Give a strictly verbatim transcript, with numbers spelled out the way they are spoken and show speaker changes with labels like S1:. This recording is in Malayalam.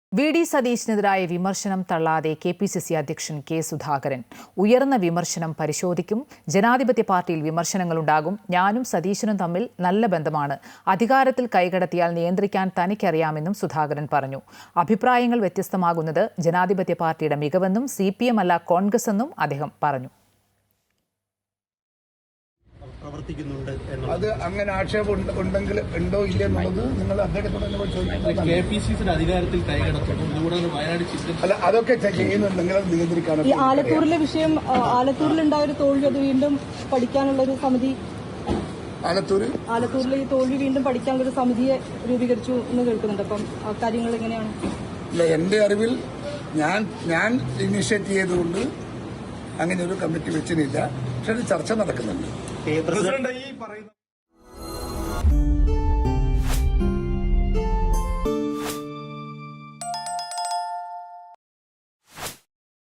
S1: വി ഡി സതീശനെതിരായ വിമർശനം തള്ളാതെ കെ പി സി സി അധ്യക്ഷൻ കെ സുധാകരൻ. ഉയർന്ന വിമർശനം പരിശോധിക്കും. ജനാധിപത്യ പാർട്ടിയിൽ വിമർശനങ്ങളുണ്ടാകും. ഞാനും സതീശനും തമ്മിൽ നല്ല ബന്ധമാണ്. അധികാരത്തിൽ കൈകടത്തിയാൽ നിയന്ത്രിക്കാൻ തനിക്കറിയാമെന്നും സുധാകരൻ പറഞ്ഞു. അഭിപ്രായങ്ങൾ വ്യത്യസ്തമാകുന്നത് ജനാധിപത്യ പാർട്ടിയുടെ മികവെന്നും സി പി എം അല്ല കോൺഗ്രസ് എന്നും അദ്ദേഹം പറഞ്ഞു.
S2: പ്രവർത്തിക്കുന്നുണ്ട്
S3: അത് അങ്ങനെ ആക്ഷേപം ഉണ്ടെങ്കിൽ ഉണ്ടോ ഇല്ലേ എന്നുള്ളത് നിങ്ങൾ അദ്ദേഹത്തോട്
S2: കെ പി സി സിയുടെ അധികാരത്തിൽ കൈകടത്തുന്നു. ഇതുകൂടാതെ വയനാട് ചിത്രം
S3: അല്ല അതൊക്കെ ചെയ്യുന്നുണ്ടെങ്കിൽ അത് നിയന്ത്രിക്കാനും.
S4: ഈ ആലത്തൂരിലെ വിഷയം, ആലത്തൂരിലുണ്ടായ ഒരു തോൽവി അത് വീണ്ടും പഠിക്കാനുള്ള ഒരു സമിതി,
S3: ആലത്തൂർ
S4: ആലത്തൂരിലെ ഈ തോൽവി വീണ്ടും പഠിക്കാനുള്ള ഒരു സമിതിയെ രൂപീകരിച്ചു എന്ന് കേൾക്കുന്നുണ്ട്. അപ്പം കാര്യങ്ങൾ എങ്ങനെയാണ്?
S3: ഇല്ല, എന്റെ അറിവിൽ ഞാൻ ഞാൻ ഇനിഷ്യേറ്റ് ചെയ്തുകൊണ്ട് അങ്ങനെ ഒരു കമ്മിറ്റി വെച്ചിട്ടില്ല. പക്ഷെ അത് ചർച്ച നടക്കുന്നുണ്ട്.
S2: പ്രസിഡന്റ് ഈ പറയുന്ന